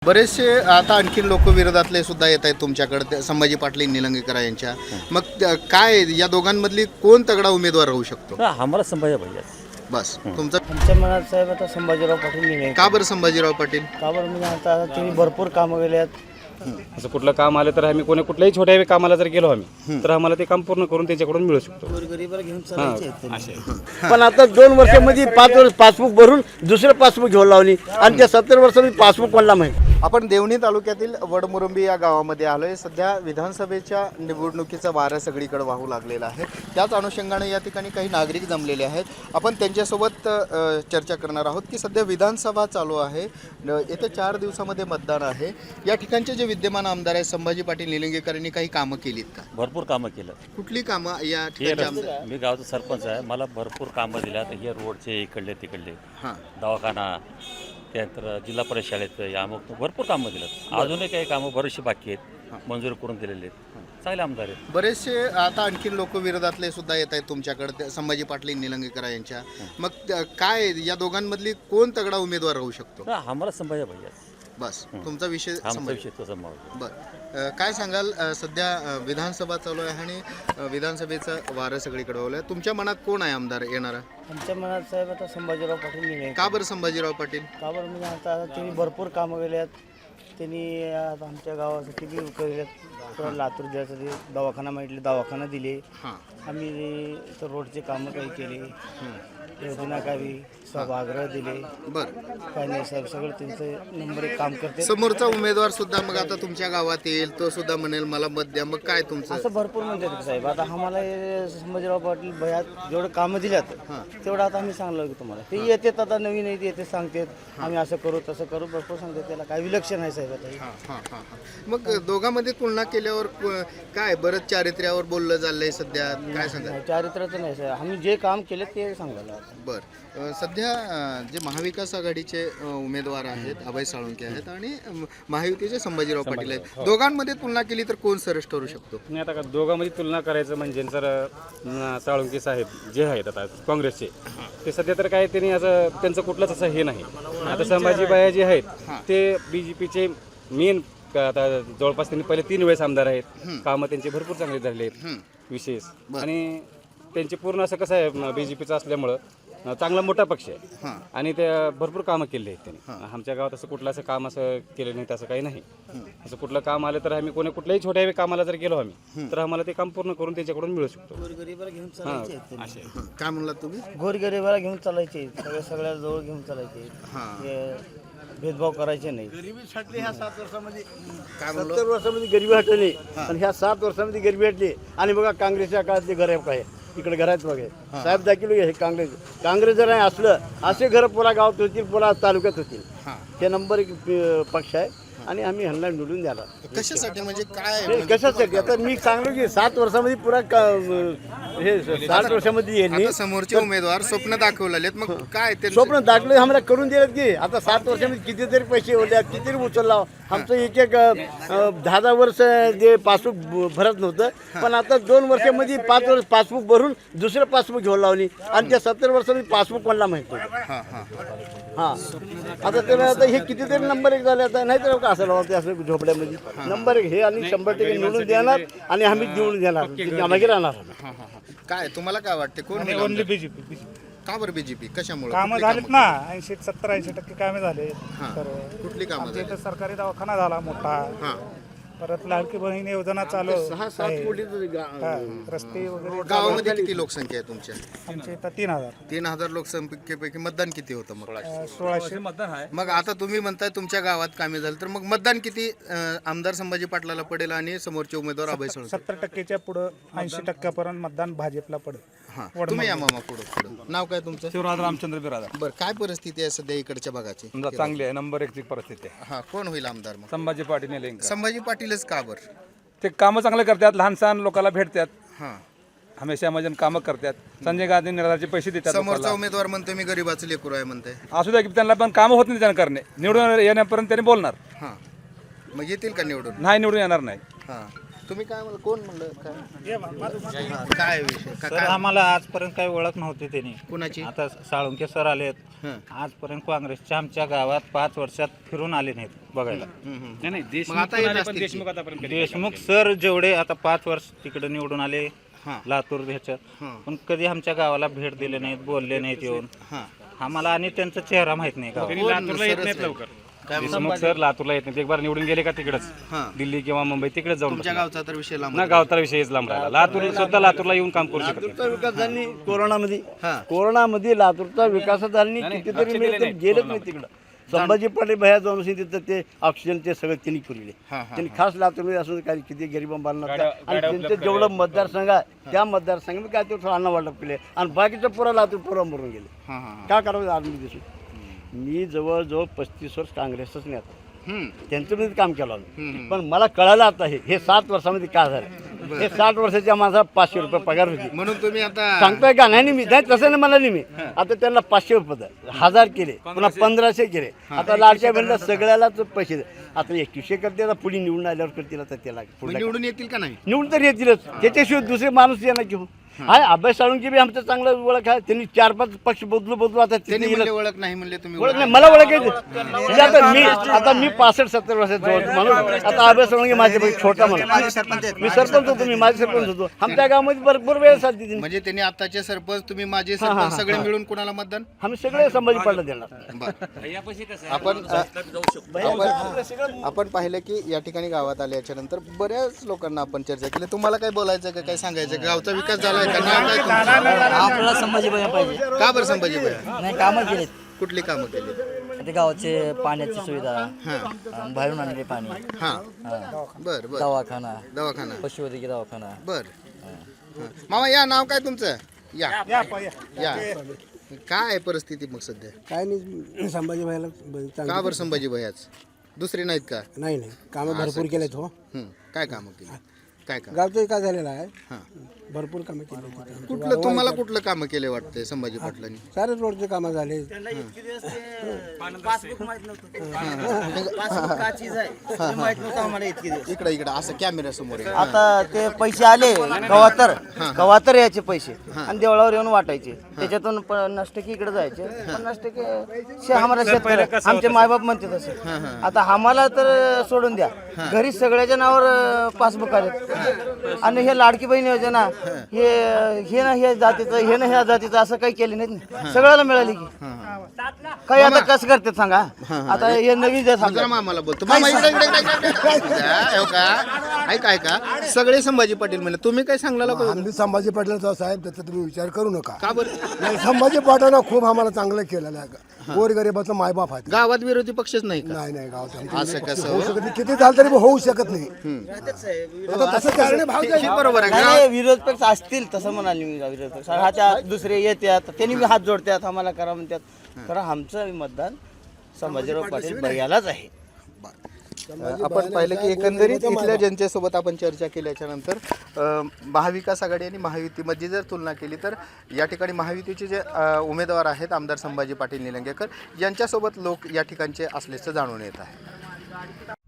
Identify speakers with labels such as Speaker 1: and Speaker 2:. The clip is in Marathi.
Speaker 1: बरेचसे आता आणखीन लोक विरोधातले सुद्धा येत आहेत तुमच्याकडे संभाजी पाटील निलंगेकर यांच्या. मग काय या दोघांमधली कोण तगडा उमेदवार राहू शकतो?
Speaker 2: आम्हाला संभाजी पाहिजे
Speaker 1: बस तुमचं
Speaker 3: आमच्या मनात साहेब आता संभाजीराव पाटील नाही.
Speaker 1: का बरं संभाजीराव पाटील?
Speaker 3: का बरं म्हणजे आता त्यांनी भरपूर कामं केली आहेत.
Speaker 2: असं कुठलं काम आलं तर आम्ही कुठल्याही छोट्या कामाला जर गेलो आम्ही तर आम्हाला ते काम पूर्ण करून त्यांच्याकडून मिळू शकतो.
Speaker 3: गोरगरिबाला घेऊन चालायचे आहेत त्यांनी.
Speaker 4: पण आता 2 वर्षामध्ये 5 वर्ष पासबुक भरून दुसरं पासबुक घेऊन लावली आणि त्या 70 वर्षामध्ये पासबुक कोणाला माहिती.
Speaker 1: आपण देवणी तालुक्यातील वडमुरुंबी या गावामध्ये आलोय. सध्या विधानसभेच्या निवडणुकीचा वारा सगळीकडे वाहू लागलेला आहे. त्याच अनुषंगाने या ठिकाणी काही नागरिक जमलेले आहेत. आपण त्यांच्यासोबत चर्चा करणार आहोत की सध्या विधानसभा चालू आहे. येत्या 4 दिवसामध्ये मतदान आहे. या ठिकाणचे जे विद्यमान आमदार आहेत संभाजी पाटील निलंगेकरांनी काही कामं केलीत का?
Speaker 2: भरपूर कामं केलं.
Speaker 1: कुठली कामं या ठिकाणी?
Speaker 2: मी गावचा सरपंच आहे. मला भरपूर कामं दिल्यात. हे रोडचे इकडले तिकडले
Speaker 1: हां
Speaker 2: दवाखाना त्यानंतर जिल्हा परिषद शाळेत अमुक भरपूर कामं दिल्यात. अजूनही काही कामं बरीचशी बाकी आहेत, मंजूर करून दिलेले आहेत. चांगले आमदार आहेत.
Speaker 1: बरेचसे आता आणखीन लोक विरोधातले सुद्धा येत आहेत तुमच्याकडे संभाजी पाटील निलंगेकर यांच्या. मग काय या दोघांमधली कोण तगडा उमेदवार राहू शकतो?
Speaker 2: आम्हाला संभाजी पाहिजे.
Speaker 1: बस तुमचा विषय
Speaker 2: आमचा
Speaker 1: संभाजी.
Speaker 2: विषय तसा मावळतो.
Speaker 1: बरं काय सांगाल? सध्या विधानसभा चालू आहे आणि विधानसभेचं वारं सगळीकडे वळलं आहे. तुमच्या मनात कोण आहे आमदार येणारा?
Speaker 3: आमच्या मनात साहेब आता संभाजीराव पाटील नाही.
Speaker 1: का बरं संभाजीराव पाटील?
Speaker 3: का बरं म्हणजे आता त्यांनी भरपूर कामं केली आहेत. त्यांनी आता आमच्या गावासाठी बी केली आहेत. लातूर जिल्ह्यासाठी दवाखाना मागितले, दवाखाना दिले.
Speaker 1: हां
Speaker 3: आम्ही इथं रोडचे कामं काही केले, योजना काही सभागृह दिले.
Speaker 1: बरं
Speaker 3: काही नाही साहेब, सगळं त्यांचं नंबर 1 काम करते.
Speaker 1: समोरचा उमेदवार सुद्धा मग आता तुमच्या गावात येईल, तो सुद्धा म्हणेल मला मत द्या. मग काय तुमचं?
Speaker 3: असं भरपूर म्हणतात साहेब. आता आम्हाला हे संभाजीराव पाटील भयात जेवढं कामं दिल्यात तेवढं आता आम्ही सांगलो की तुम्हाला. ते येतात आता नवीन येते सांगतात आम्ही असं करू तसं करू, भरपूर सांगतात. त्याला काय विलक्षण आहे साहेब आता.
Speaker 1: हां हां हां. मग दोघांमध्ये तुलना केल्यावर काय बरंच चारित्र्यावर बोललं चाललंय सध्या, काय सांगा?
Speaker 3: चारित्र्याचं नाही साहेब, आम्ही जे काम केले ते सांगायला.
Speaker 1: बरं सध्या जे महाविकास आघाडीचे उमेदवार आहेत अभय साळुंके आहेत आणि महायुतीचे संभाजीराव पाटील आहेत. दोघांमध्ये तुलना केली तर कोण सरस ठरू शकतो?
Speaker 5: नाही आता का दोघांमध्ये तुलना करायचं म्हणजे जर साळुंके साहेब जे आहेत आता काँग्रेसचे ते सध्या तर काय त्यांनी असं त्यांचं कुठलंच असं हे नाही. आता संभाजीबाया जे आहेत ते BJPचे मेन आता जवळपास त्यांनी पहिले 3 वेळेस आमदार आहेत. कामं त्यांचे भरपूर चांगले झालेले आहेत विशेष. आणि त्यांचे पूर्ण असं कसं आहे BJPचं असल्यामुळं चांगला मोठा पक्ष आहे आणि ते भरपूर कामं केली आहेत त्यांनी. आमच्या गावात असं कुठलं असं काम असं केलं नाही असं काही नाही. असं कुठलं काम आलं तर आम्ही कुठल्याही छोट्या कामाला जर गेलो आम्ही तर आम्हाला ते काम पूर्ण करून त्यांच्याकडून मिळू शकतो.
Speaker 3: गोरगरिबाला घेऊन चालायचे आहेत त्यांनी.
Speaker 1: काय म्हणलात तुम्ही?
Speaker 3: गोरगरिबाला घेऊन चालायचे, सगळ्या जवळ घेऊन चालायचे. भेदभाव करायचे नाही.
Speaker 4: गरिबीसाठी ह्या 7 वर्षामध्ये
Speaker 1: काय म्हणलो?
Speaker 4: 70 वर्षामध्ये गरिबी हटली आणि ह्या 7 वर्षामध्ये गरिबी हटली. आणि बघा काँग्रेसच्या काळात ते घर काय इकडे घरात बघा साहेब दाखिल हे काँग्रेस जर नाही असलं असे घर पुरा गावात होतील, पुरा तालुक्यात होतील. हे नंबर 1 पक्ष आहे आणि आम्ही ह्यांना निवडून द्याला.
Speaker 1: कशासाठी म्हणजे काय?
Speaker 4: हे कशासाठी? आता मी सांगलो की 7 वर्षामध्ये पुरा हे 7 वर्षामध्ये यांनी
Speaker 1: आता समोरचे उमेदवार स्वप्न दाखवलेले आहेत. मग काय ते
Speaker 4: स्वप्न दाखले आम्हाला करून दिलेत की आता 7 वर्षामध्ये कितीतरी पैसे ओढले, कितीतरी उचलला. आमचं एक 10 वर्ष जे पासबुक भरत नव्हतं, पण आता 2 वर्षामध्ये 5 वर्ष पासबुक भरून दुसरं पासबुक घेऊन लावली आणि त्या 70 वर्षामध्ये पासबुक कोणाला माहिती. हां आता त्याला आता हे कितीतरी नंबर 1 झाले. आता नाही तर का असं लावते असं झोपड्यामध्ये नंबर 1 हे आणि 100% निवडून देणार आणि आम्ही निवडून देणार आम्ही राहणार.
Speaker 1: काय तुम्हाला काय वाटते कोण होईल
Speaker 6: ओनली
Speaker 1: आमदार?
Speaker 6: बीजेपी.
Speaker 1: का बरं BJP? कशामुळे?
Speaker 6: कामं
Speaker 1: कुठली
Speaker 6: झालीत
Speaker 1: कामं?
Speaker 6: ना, 70-80% कामे झाले. तर
Speaker 1: कुठली कामं
Speaker 6: आमच्या
Speaker 1: झाली?
Speaker 6: इथं सरकारी दवाखाना झाला मोठा.
Speaker 1: हां
Speaker 6: परत लाडकी बहीण योजना चालू
Speaker 4: 6-7
Speaker 6: आहे.
Speaker 4: कोटी
Speaker 6: हा, रस्ते वगैरे.
Speaker 1: गावामध्ये किती लोकसंख्या आहे तुमच्या?
Speaker 6: आमच्या इथं 3000.
Speaker 1: 3000 लोकसंख्येपैकी मतदान किती होतं मग?
Speaker 6: 1600.
Speaker 1: मग आता तुम्ही म्हणताय तुमच्या गावात कामे झालं तर मग मतदान किती आमदार संभाजी पाटलाला पडेल आणि समोरचे उमेदवार अभय साळुंके?
Speaker 6: 70%च्या पुढं 80% मतदान भाजपला पडेल.
Speaker 1: हां तुम्ही या मामा पुढं. नाव काय तुमचं?
Speaker 7: शिवराज रामचंद्र बिरादा.
Speaker 1: बरं काय परिस्थिती आहे सध्या इकडच्या भागाची?
Speaker 7: चांगली आहे, नंबर 1 ची परिस्थिती आहे.
Speaker 1: हां कोण होईल आमदार मग?
Speaker 7: संभाजी पाटील निलंगेकर
Speaker 1: संभाजी पाटीलच का बरं?
Speaker 7: ते कामं चांगले करतात, लहान सहान लोकांना भेटतात,
Speaker 1: हां
Speaker 7: हमेशा म्हणजे कामं करतात. संजय गांधी निराधारचे पैसे देतात
Speaker 1: समोरचा
Speaker 7: लोकांना.
Speaker 1: उमेदवार म्हणतो मी गरीबाचं लेकरू आहे म्हणते.
Speaker 7: असू द्या की त्यांना पण कामं होत नाही त्यांना करणे. निवडून येण्यापर्यंत त्यांनी बोलणार
Speaker 1: हां मग येतील का निवडून?
Speaker 7: नाही, निवडून येणार नाही.
Speaker 1: हां तुम्ही काय म्हणलं, कोण म्हणलं काय विषय
Speaker 6: सर आम्हाला आजपर्यंत काही ओळख नव्हती त्यांनी.
Speaker 1: कुणाची?
Speaker 6: आता साळुंके सर आलेत.
Speaker 1: हं.
Speaker 6: आजपर्यंत काँग्रेसच्या आमच्या गावात 5 वर्षात फिरून आले नाहीत बघायला.
Speaker 5: नाही
Speaker 1: मग आता येत असतील
Speaker 5: देशमुख
Speaker 1: की?
Speaker 5: आतापर्यंत कधी
Speaker 6: देशमुख सर जेवढे आता 5 वर्ष तिकडे निवडून आले
Speaker 1: हां.
Speaker 6: लातूर ह्याच्यात,
Speaker 1: हां.
Speaker 6: पण कधी आमच्या गावाला भेट दिले नाहीत, बोलले नाहीत येऊन.
Speaker 1: हां.
Speaker 6: आम्हाला आणि त्यांचा चेहरा माहित नाही गावात.
Speaker 5: त्यांनी लातूरला येत नाहीत लवकर. देशमुख सर लातूरला येत नाहीत. एक बार निवडून गेले का तिकडेच
Speaker 1: हां.
Speaker 5: दिल्ली किंवा मुंबई तिकडेच जाऊन
Speaker 1: तुमच्या
Speaker 5: बसणार.
Speaker 1: गावचा तर विषय लांब
Speaker 5: ना गावचा विषयच लांब राहिला. लातूर सुद्धा लातूरला येऊन काम करू शकत नाही.
Speaker 4: लातूरचा विकास झाली कोरोनामध्ये.
Speaker 1: हां.
Speaker 4: कोरोनामध्ये लातूरचा विकास झाली कितीतरी मिळत गेलंच नाही तिकडं. संभाजी पाटील भैया जाऊन तिथं ते ऑक्सिजन ते सगळं त्यांनी पुरवले.
Speaker 1: हां,
Speaker 4: त्यांनी खास लातूरमध्ये असून काही किती गरिबांना आणि त्यांचं जेवढं मतदारसंघ आहे त्या मतदारसंघामध्ये काय ते अन्न वाटप केले आणि बाकीचं पुरा लातूर पुरा मरून गेले.
Speaker 1: हां हां
Speaker 4: का करावं आर्मी दिसून. मी जवळजवळ 35 वर्ष काँग्रेसच नाही आता त्यांचं मी काम केलं आम्ही. पण मला कळालं आता हे 7 वर्षामध्ये काय झालं. हे 60 वर्षाच्या माझा 500 रुपये पगार होती.
Speaker 1: म्हणून तुम्ही आता
Speaker 4: सांगतोय का नाही मी नाही तसं नाही मला नाही मी आता त्यांना 500 रुपये 1000 केले पुन्हा 1500 केले. आता लाडक्या बहिणीला सगळ्यालाच पैसे दे. आता 2100 करते आता पुढे निवडून आल्यावर करतील. आता त्याला पुढे
Speaker 1: निवडून येतील का नाही?
Speaker 4: निवडून तर येतीलच. त्याच्याशिवाय दुसरे माणूस येणार घेऊन हाय. अभ्यास साळुंके बी आमचं चांगलं ओळख आहे. त्यांनी 4-5 पक्ष बदलू आता
Speaker 1: त्यांनी
Speaker 4: तिथे
Speaker 1: म्हणले ओळख नाही म्हणले तुम्ही
Speaker 4: ओळख नाही मला ओळखायचं. म्हणजे आता मी 65-70 वर्षाचा जवळ माणूस. आता अभ्यास साळुंके माझ्यापेक्षा छोटा माणूस. मी सरपंच होतो. मी माझे सरपंच होतो. आमच्या गावामध्ये भरपूर वेळ चालते त्यांनी.
Speaker 1: म्हणजे त्यांनी आताचे सरपंच तुम्ही माझे सरपंच सगळे मिळून कोणाला मतदान?
Speaker 4: आम्ही सगळे संभाजी पाडला देणार.
Speaker 1: आपण पाहिलं की या ठिकाणी गावात आल्याच्या नंतर बऱ्याच लोकांना आपण चर्चा केली. तुम्हाला काय बोलायचं का, काय सांगायचं? गावचा विकास झालाय का? नाव काय तुमचं?
Speaker 3: आपल्याला संभाजी भैया पाहिजे.
Speaker 1: का बरं संभाजी भैया?
Speaker 3: नाही कामं केलेत.
Speaker 1: कुठली कामं केली?
Speaker 3: ते गावाचे पाण्याची सुविधा,
Speaker 1: हां
Speaker 3: बाहेरून आणलेले पाणी,
Speaker 1: हां बर बर
Speaker 3: दवाखाना,
Speaker 1: दवाखाना
Speaker 3: पशुवैद्यकीय दवाखाना.
Speaker 1: बर हां. मामा या, नाव काय तुमचं? या या काय आहे परिस्थिती मग सध्या?
Speaker 8: काय नाही संभाजी भाईला
Speaker 1: का बरं संभाजी भैयाच? दुसरे नाहीत का?
Speaker 8: नाही नाही कामं भरपूर केलेत हो.
Speaker 1: काय कामं केली? काय काम?
Speaker 8: गावचं विकास झालेला आहे.
Speaker 1: हां.
Speaker 8: भरपूर कामं केली.
Speaker 1: कुठलं तुम्हाला कुठलं कामं केले वाटते संभाजी पाटलांनी?
Speaker 8: सारे रोडचे कामं झाले.
Speaker 1: इकडे इकडे असं कॅमेरा समोर आहे.
Speaker 3: आता ते पैसे आले गवातर याचे पैसे आणि देवळावर येऊन वाटायचे. त्याच्यातून 50% इकडे जायचे, 50% आम्हाला शेतकरी आमचे मायबाप म्हणते तसं. आता आम्हाला तर सोडून द्या, घरी सगळ्याच्या नावावर पासबुक आले. आणि हे लाडकी बहीण योजना हे ना ह्या जातीचं, हे ना ह्या जातीचं असं काही केलं नाही. सगळ्याला मिळाली की काही. आता कसं करतात सांगा. आता हे नवीन जे
Speaker 1: जरा मामाला बोलतो. मामा इकडे इकडे इकडे इकडे. हो का? ऐका ऐका, सगळे संभाजी पाटील म्हणले, तुम्ही काय सांगला?
Speaker 8: आम्ही संभाजी पाटलाचा साहेब त्याचा तुम्ही विचार करू नका.
Speaker 1: का बरं?
Speaker 8: नाही संभाजी पाटलानं खूप आम्हाला चांगलं केलेलं आहे. गोरगरिबाचा मायबाप आहे.
Speaker 1: गावात विरोधी पक्षच नाही का?
Speaker 8: नाही नाही गावात
Speaker 1: असं कसं
Speaker 8: होऊ शकत नाही. किती झालं तरी होऊ शकत नाही. आता तसं करणे भाग
Speaker 1: हे बरोबर आहे.
Speaker 3: नाही, विरोध पक्ष असतील तसं म्हणाले मी. विरोध पक्ष ह्याच्या दुसरे येतात, त्यांनी मी हात जोडतात, आम्हाला करा म्हणतात. खरं आमचं मतदान संभाजीराव पाटील भैयालाच आहे.
Speaker 1: आपण पाहिलं की एकंदरीत इथल्या जनतेसोबत आपण चर्चा केल्याच्या नंतर महाविकास आघाडी आणि महायुतीमध्ये जर तुलना केली तर या ठिकाणी महायुतीचे जे उमेदवार आहेत आमदार संभाजी पाटील निलंगेकर यांच्यासोबत लोक या ठिकाणचे असल्याचं जाणून येत आहे.